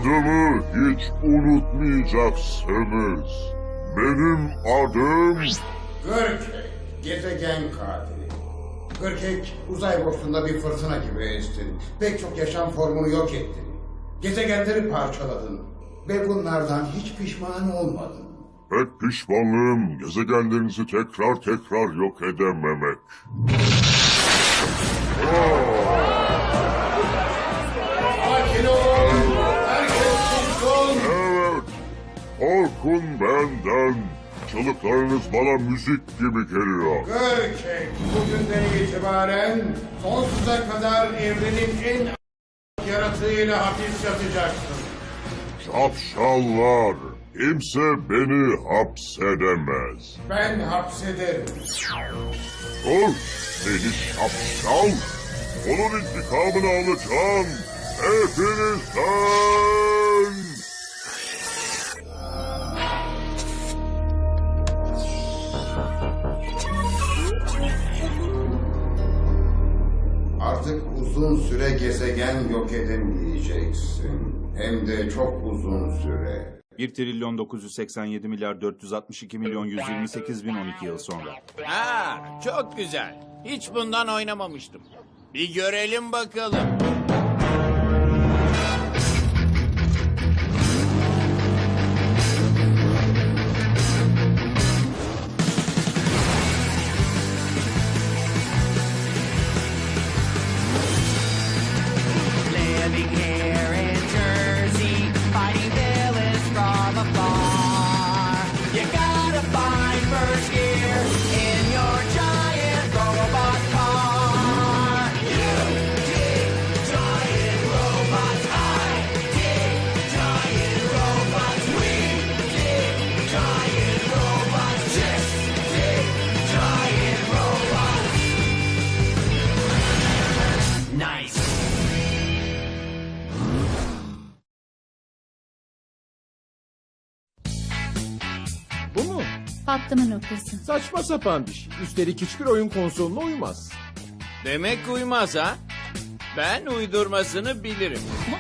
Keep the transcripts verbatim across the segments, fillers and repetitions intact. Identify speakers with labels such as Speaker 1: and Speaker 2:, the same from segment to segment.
Speaker 1: adımı hiç unutmayacaksınız. Benim adım...
Speaker 2: Gürkek, gezegen katili. Gürkek, uzay boşluğunda bir fırtına gibi estin. Pek çok yaşam formunu yok ettin. Gezegenleri parçaladın. Ve bunlardan hiç pişman olmadın.
Speaker 1: Tek pişmanlığım gezegenlerinizi tekrar tekrar yok edememek.
Speaker 2: Sakin ol! Herkes sussun!
Speaker 1: Evet, korkun benden. Çığlıklarınız bana müzik gibi geliyor.
Speaker 2: Gürkek, bugünden itibaren sonsuza kadar evrenin en yaratığıyla hapis yatacaksın.
Speaker 1: Şapşallar, kimse beni hapsedemez.
Speaker 2: Ben hapsederim.
Speaker 1: Dur, seni şapşal. Onun intikamını alacağım. Hepinizden.
Speaker 2: Artık uzun süre gezegen yok edemeyeceksin. Hem de çok uzun süre.
Speaker 3: bir trilyon dokuz yüz seksen yedi milyar dört yüz altmış iki milyon yüz yirmi sekiz bin on iki yıl sonra.
Speaker 4: Ha, çok güzel. Hiç bundan oynamamıştım. Bir görelim bakalım.
Speaker 5: Living here in Jersey, fighting villains from afar. You gotta find first gear in your giant robot car. You dig giant robots, I dig giant robots, we dig giant robots, just dig giant robots. Nice.
Speaker 6: Bu mu?
Speaker 7: Patlama noktası.
Speaker 6: Saçma sapan bir şey. Üstelik hiçbir oyun konsoluna uymaz.
Speaker 4: Demek uymaz ha? Ben uydurmasını bilirim.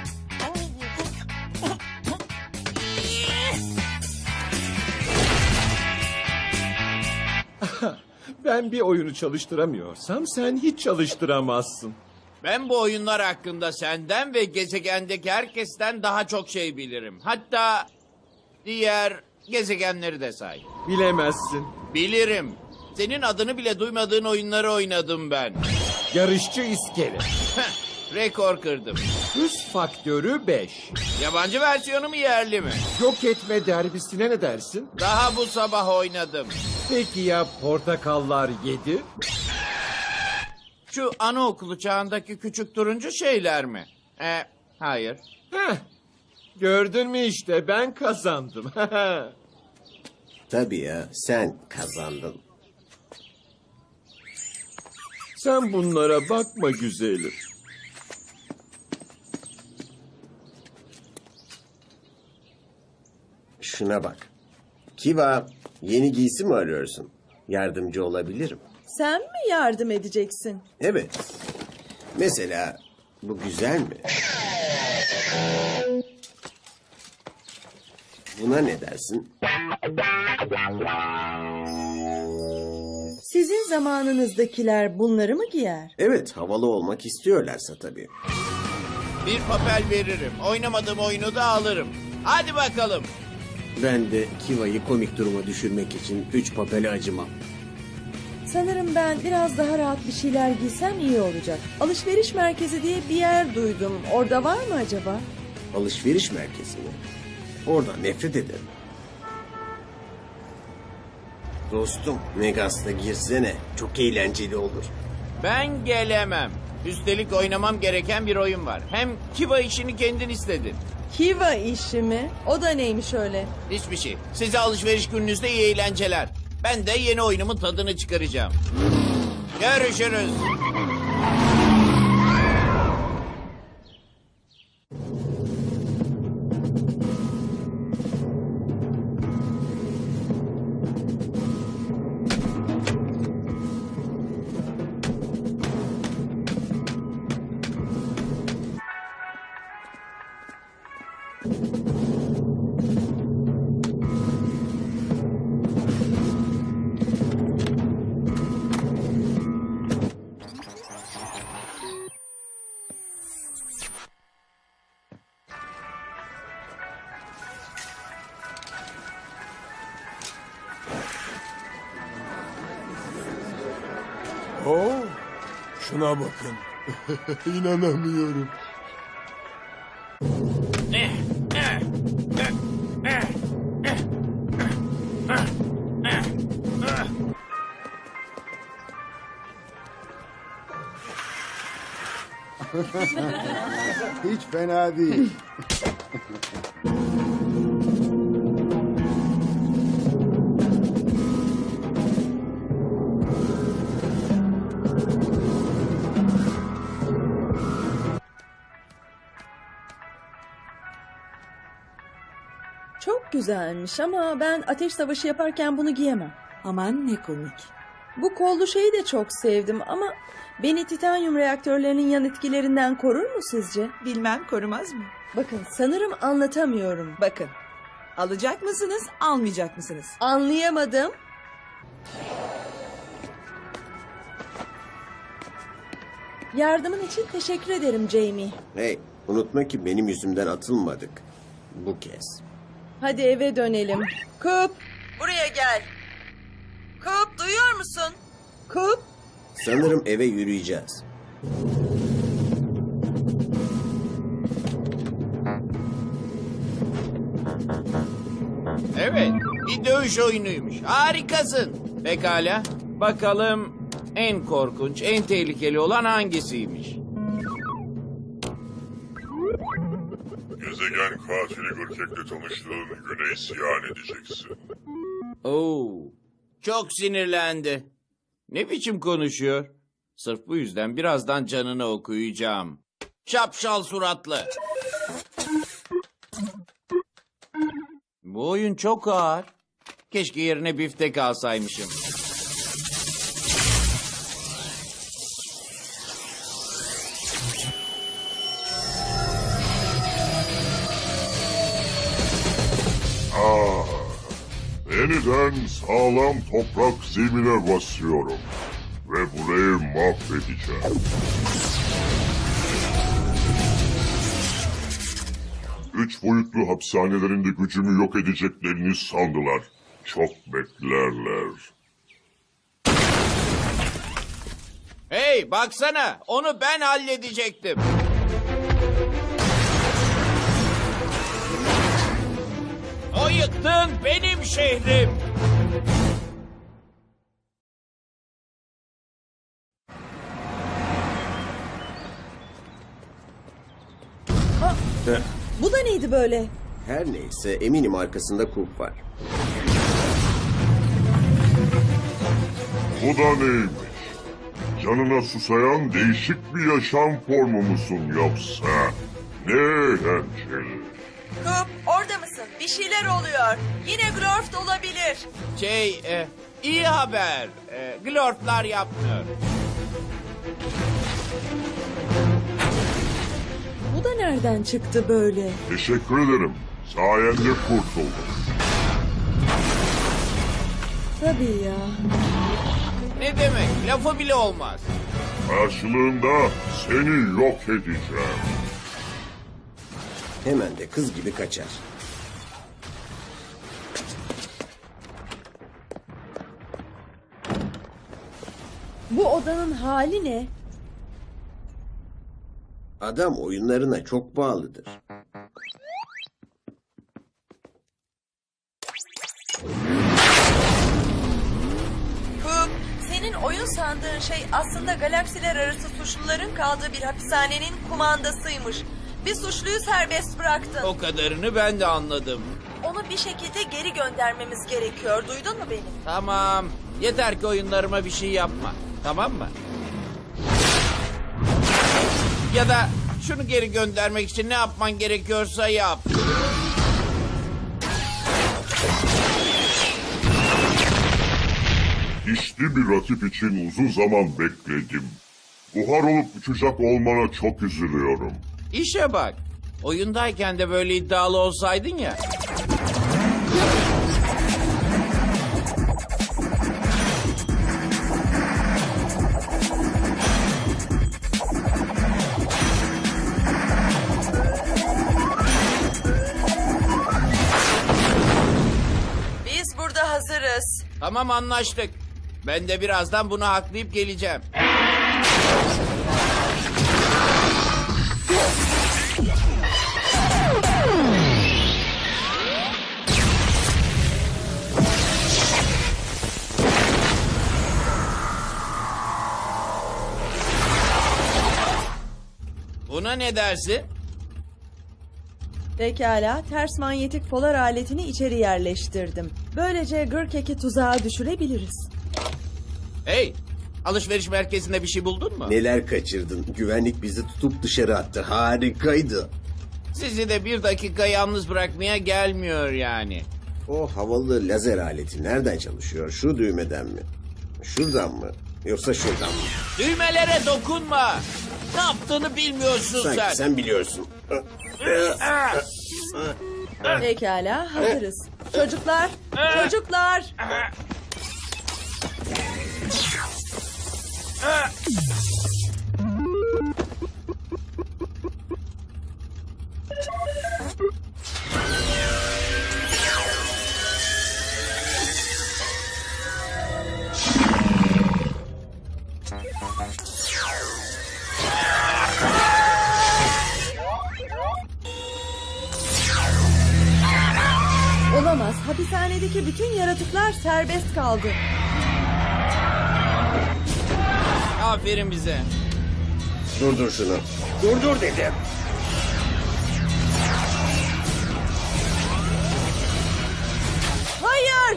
Speaker 6: Ben bir oyunu çalıştıramıyorsam sen hiç çalıştıramazsın.
Speaker 4: Ben bu oyunlar hakkında senden ve gezegendeki herkesten daha çok şey bilirim. Hatta diğer gezegenleri de say.
Speaker 6: Bilemezsin.
Speaker 4: Bilirim. Senin adını bile duymadığın oyunları oynadım ben.
Speaker 6: Yarışçı iskele.
Speaker 4: Heh, rekor kırdım.
Speaker 6: Hız faktörü beş.
Speaker 4: Yabancı versiyonu mu yerli mi?
Speaker 6: Yok etme derbisine ne dersin?
Speaker 4: Daha bu sabah oynadım.
Speaker 6: Peki ya portakallar yedi?
Speaker 4: Şu anaokulu çağındaki küçük turuncu şeyler mi? E, hayır.
Speaker 6: Heh. Gördün mü işte ben kazandım.
Speaker 8: Tabii ya, sen kazandın.
Speaker 6: Sen bunlara bakma güzelim.
Speaker 8: Şuna bak. Kiva, yeni giysi mi arıyorsun? Yardımcı olabilirim.
Speaker 9: Sen mi yardım edeceksin?
Speaker 8: Evet. Mesela bu güzel mi? Buna ne dersin?
Speaker 9: Sizin zamanınızdakiler bunları mı giyer?
Speaker 8: Evet, havalı olmak istiyorlarsa tabii.
Speaker 4: Bir papel veririm. Oynamadığım oyunu da alırım. Hadi bakalım.
Speaker 8: Ben de Kiva'yı komik duruma düşürmek için üç papele acımam.
Speaker 9: Sanırım ben biraz daha rahat bir şeyler giysem iyi olacak. Alışveriş merkezi diye bir yer duydum. Orada var mı acaba?
Speaker 8: Alışveriş merkezi mi? Oradan nefret ederim. Dostum, Megas'ta girsene. Çok eğlenceli olur.
Speaker 4: Ben gelemem. Üstelik oynamam gereken bir oyun var. Hem Kiva işini kendin istedin.
Speaker 9: Kiva işi mi? O da neymiş öyle?
Speaker 4: Hiçbir şey. Size alışveriş gününüzde iyi eğlenceler. Ben de yeni oyunumun tadını çıkaracağım. Görüşürüz.
Speaker 7: Oo, şuna bakın. İnanamıyorum.
Speaker 2: Hiç fena değil.
Speaker 9: Çok güzelmiş ama ben ateş savaşı yaparken bunu giyemem.
Speaker 10: Aman ne komik.
Speaker 9: Bu kollu şeyi de çok sevdim ama beni titanyum reaktörlerinin yan etkilerinden korur mu sizce?
Speaker 10: Bilmem korumaz mı?
Speaker 9: Bakın sanırım anlatamıyorum.
Speaker 10: Bakın. Alacak mısınız, almayacak mısınız?
Speaker 9: Anlayamadım. Yardımın için teşekkür ederim Jamie.
Speaker 8: Hey, unutma ki benim yüzümden atılmadık. Bu kez.
Speaker 9: Hadi eve dönelim. Kup! Buraya gel. Kup duyuyor musun? Kup!
Speaker 8: Sanırım eve yürüyeceğiz.
Speaker 4: Evet, bir dövüş oyunuymuş. Harikasın. Pekala. Bakalım en korkunç, en tehlikeli olan hangisiymiş?
Speaker 1: Gezegen katili Gürkek'le tanıştığın güne isyan edeceksin.
Speaker 4: Oo, çok sinirlendi. Ne biçim konuşuyor? Sırf bu yüzden birazdan canını okuyacağım. Şapşal suratlı. Bu oyun çok ağır. Keşke yerine biftek alsaymışım.
Speaker 1: Ah, yeniden sağlam toprak zemine basıyorum. Ve burayı mahvedeceğim. Üç boyutlu hapishanelerinde gücümü yok edeceklerini sandılar. Çok beklerler.
Speaker 4: Hey baksana, onu ben halledecektim. O yıktın benim şehrim.
Speaker 9: Bu da neydi böyle?
Speaker 8: Her neyse eminim arkasında kulp var.
Speaker 1: Bu da neymiş? Canına susayan değişik bir yaşam formu musun yoksa? Ne eğlenceli.
Speaker 9: Kup orada mısın? Bir şeyler oluyor. Yine Glorft olabilir.
Speaker 4: Şey, e, iyi haber. E, glorflar yapmıyor.
Speaker 9: Bu da nereden çıktı böyle?
Speaker 1: Teşekkür ederim. Sayende kurtuldum.
Speaker 9: Tabii ya.
Speaker 4: Ne demek? Lafı bile olmaz.
Speaker 1: Karşılığında seni yok edeceğim.
Speaker 8: Hemen de kız gibi kaçar.
Speaker 9: Bu odanın hali ne?
Speaker 8: Adam oyunlarına çok bağlıdır.
Speaker 9: Kup, senin oyun sandığın şey aslında galaksiler arası suçluların kaldığı bir hapishanenin kumandasıymış. Bir suçluyu serbest bıraktın.
Speaker 4: O kadarını ben de anladım.
Speaker 9: Onu bir şekilde geri göndermemiz gerekiyor. Duydun mu beni?
Speaker 4: Tamam. Yeter ki oyunlarıma bir şey yapma. Tamam mı? Ya da şunu geri göndermek için ne yapman gerekiyorsa yap.
Speaker 1: Dişli bir rakip için uzun zaman bekledim. Buhar olup uçacak olmana çok üzülüyorum.
Speaker 4: İşe bak. Oyundayken de böyle iddialı olsaydın ya.
Speaker 9: Biz burada hazırız.
Speaker 4: Tamam, anlaştık. Ben de birazdan bunu haklayıp geleceğim. Buna ne dersin?
Speaker 10: Pekala, ters manyetik polar aletini içeri yerleştirdim. Böylece Gırkek'i tuzağa düşürebiliriz.
Speaker 4: Hey, alışveriş merkezinde bir şey buldun mu?
Speaker 8: Neler kaçırdın? Güvenlik bizi tutup dışarı attı. Harikaydı.
Speaker 4: Sizi de bir dakika yalnız bırakmaya gelmiyor yani.
Speaker 8: O havalı lazer aleti nereden çalışıyor? Şu düğmeden mi? Şuradan mı? Yoksa şuradan mı?
Speaker 4: Düğmelere dokunma. Ne yaptığını bilmiyorsun
Speaker 8: Sanki
Speaker 4: sen.
Speaker 8: sen biliyorsun.
Speaker 10: Pekala, hazırız. Çocuklar, çocuklar! Olamaz, hapishanedeki bütün yaratıklar serbest kaldı.
Speaker 4: Aferin bize.
Speaker 8: Durdur şunu. Durdur dedim.
Speaker 10: Hayır!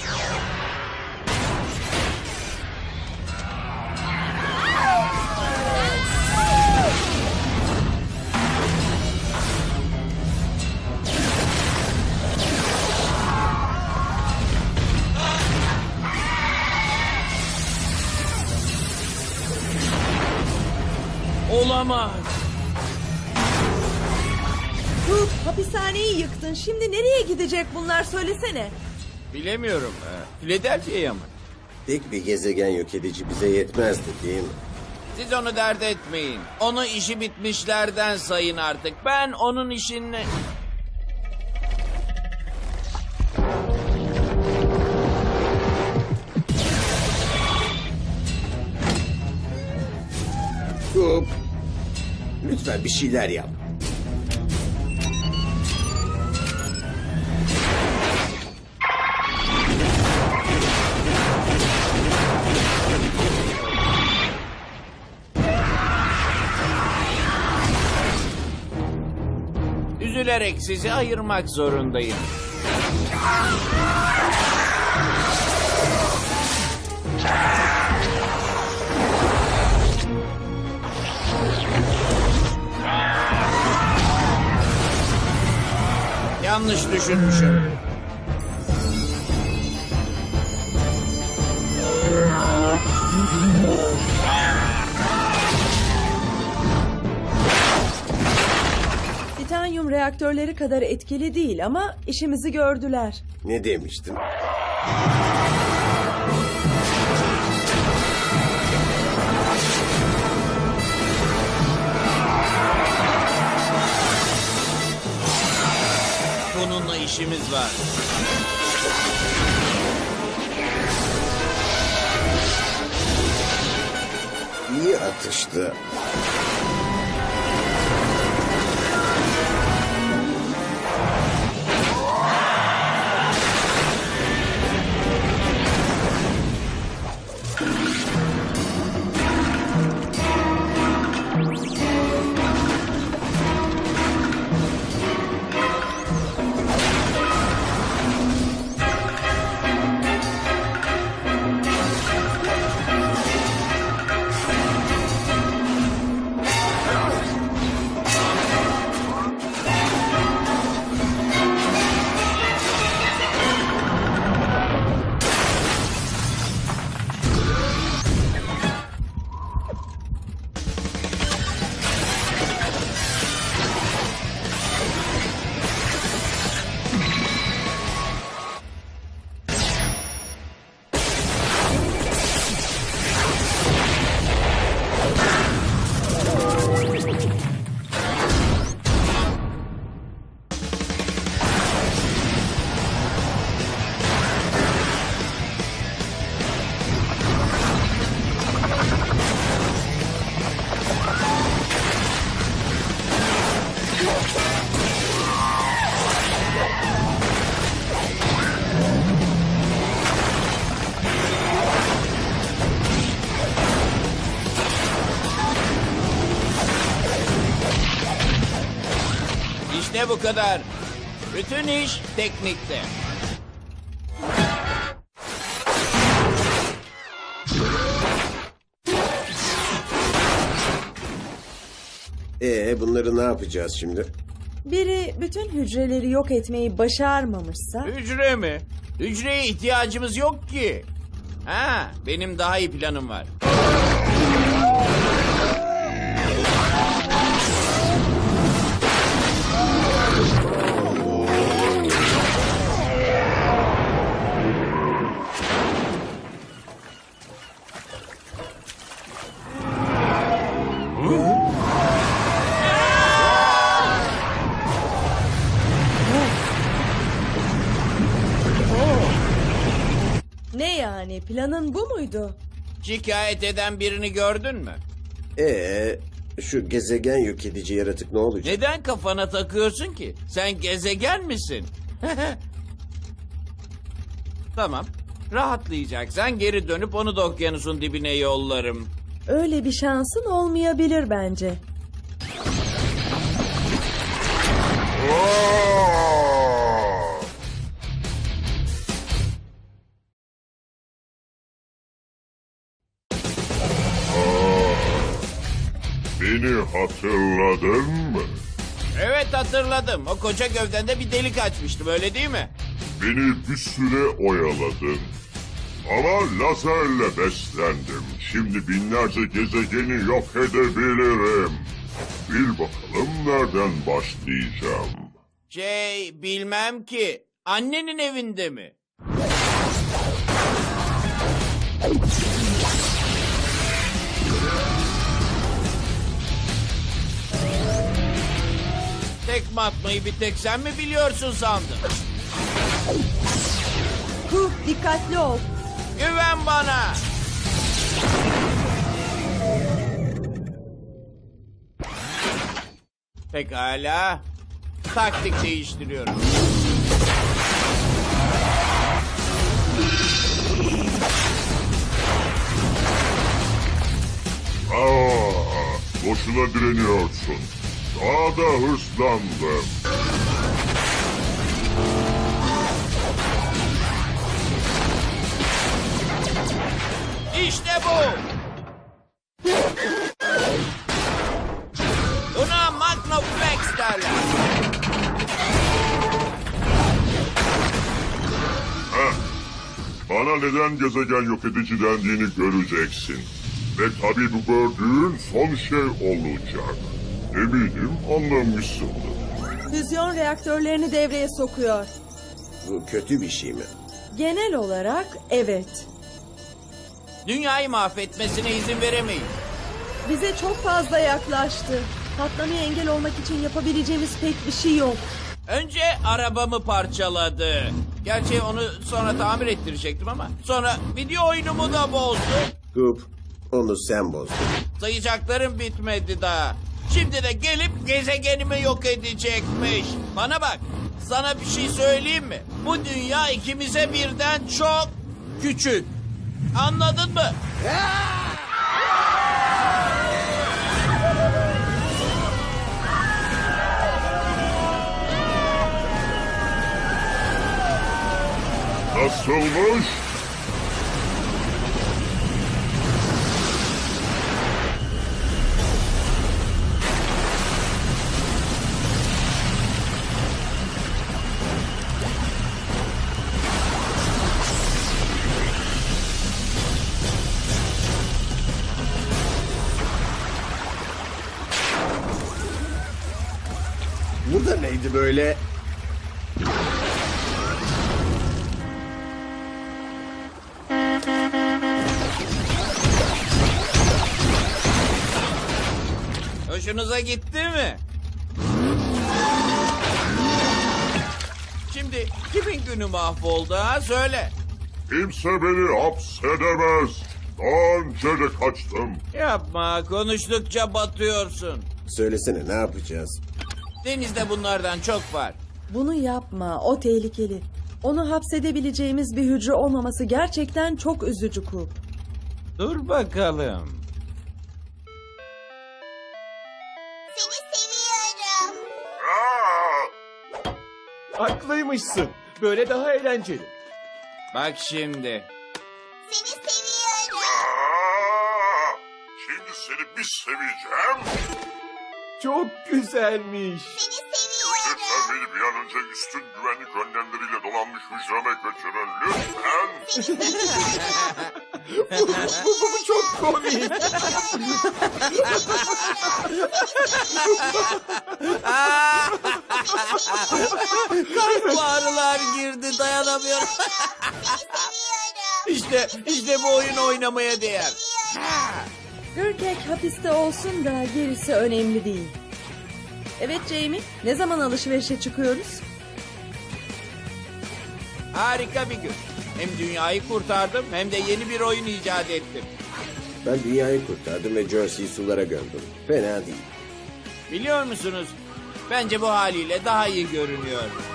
Speaker 4: Olamaz.
Speaker 10: Tut, hapishaneyi yıktın. Şimdi nereye gidecek bunlar, söylesene.
Speaker 4: Bilemiyorum. Philadelphia'ya mı?
Speaker 8: Tek bir gezegen yok edici bize yetmezdi değil mi?
Speaker 4: Siz onu dert etmeyin. Onu işi bitmişlerden sayın artık. Ben onun işini...
Speaker 8: Hop. Lütfen bir şeyler yap.
Speaker 4: Üzülerek sizi ayırmak zorundayım. Yanlış düşünmüşüm.
Speaker 10: Titanyum reaktörleri kadar etkili değil ama işimizi gördüler.
Speaker 8: Ne demiştim?
Speaker 4: Bununla işimiz var.
Speaker 8: İyi atıştı.
Speaker 4: İşte bu kadar. Bütün iş teknikte.
Speaker 8: Ee, bunları ne yapacağız şimdi?
Speaker 10: Biri bütün hücreleri yok etmeyi başarmamışsa...
Speaker 4: Hücre mi? Hücreye ihtiyacımız yok ki. Ha, benim daha iyi planım var.
Speaker 10: Ne yani? Planın bu muydu?
Speaker 4: Şikayet eden birini gördün mü?
Speaker 8: Ee, şu gezegen yok edici yaratık ne olacak?
Speaker 4: Neden kafana takıyorsun ki? Sen gezegen misin? Tamam. Rahatlayacaksan geri dönüp onu da okyanusun dibine yollarım.
Speaker 10: Öyle bir şansın olmayabilir bence.
Speaker 1: Aa! Aa! Beni hatırladın mı?
Speaker 4: Evet hatırladım. O koca gövdende bir delik açmıştım öyle değil mi?
Speaker 1: Beni bir süre oyaladın. Ama lazerle beslendim. Şimdi binlerce gezegeni yok edebilirim. Bil bakalım nereden başlayacağım.
Speaker 4: Şey bilmem ki. Annenin evinde mi? Tekme atmayı bir tek sen mi biliyorsun sandın?
Speaker 10: Kup, dikkatli ol.
Speaker 4: Güven bana. Pekala. Taktik değiştiriyorum.
Speaker 1: Aa, boşuna direniyorsun. Daha da hırslandım.
Speaker 4: İşte bu. Buna Magnaflex derler.
Speaker 1: Heh. Bana neden gezegen yok edici dendiğini göreceksin. Ve tabii bu gördüğün son şey olacak. Eminim anlamışsındır.
Speaker 10: Füzyon reaktörlerini devreye sokuyor.
Speaker 8: Bu kötü bir şey mi?
Speaker 10: Genel olarak evet.
Speaker 4: Dünyayı mahvetmesine izin veremeyiz.
Speaker 10: Bize çok fazla yaklaştı. Patlamaya engel olmak için yapabileceğimiz pek bir şey yok.
Speaker 4: Önce arabamı parçaladı. Gerçi onu sonra tamir ettirecektim ama sonra video oyunumu da bozdu.
Speaker 8: Kup, onu sen bozdun.
Speaker 4: Sayacaklarım bitmedi daha. Şimdi de gelip gezegenimi yok edecekmiş. Bana bak, sana bir şey söyleyeyim mi? Bu dünya ikimize birden çok küçük. Anladın mı?
Speaker 1: Nasılmış?
Speaker 8: Bu da neydi böyle?
Speaker 4: Hoşunuza gitti mi? Şimdi kimin günü mahvoldu ha söyle.
Speaker 1: Kimse beni hapsedemez. Daha önce de kaçtım.
Speaker 4: Yapma, konuştukça batıyorsun.
Speaker 8: Söylesene ne yapacağız?
Speaker 4: Denizde bunlardan çok var.
Speaker 10: Bunu yapma, o tehlikeli. Onu hapsedebileceğimiz bir hücre olmaması gerçekten çok üzücü Kup.
Speaker 4: Dur bakalım.
Speaker 11: Seni seviyorum.
Speaker 1: Aa,
Speaker 6: Haklıymışsın. Böyle daha eğlenceli.
Speaker 4: Bak şimdi.
Speaker 11: Seni seviyorum.
Speaker 1: Aa, şimdi seni bir seveceğim.
Speaker 6: Çok güzelmiş.
Speaker 11: Seni seviyorum.
Speaker 1: Lütfen beni bir an önce üstün güvenlik önlemleriyle dolanmış hücreme götürün. Lütfen.
Speaker 6: bu, bu, bu, bu çok komik.
Speaker 4: Kalp ağrılar girdi, dayanamıyorum. İşte, işte bu oyun oynamaya değer.
Speaker 10: Gırkek hapiste olsun da gerisi önemli değil. Evet Jamie, ne zaman alışverişe çıkıyoruz?
Speaker 4: Harika bir gün. Hem dünyayı kurtardım hem de yeni bir oyun icat ettim.
Speaker 8: Ben dünyayı kurtardım ve Jersey'yi sulara gömdüm. Fena değil.
Speaker 4: Biliyor musunuz? Bence bu haliyle daha iyi görünüyor.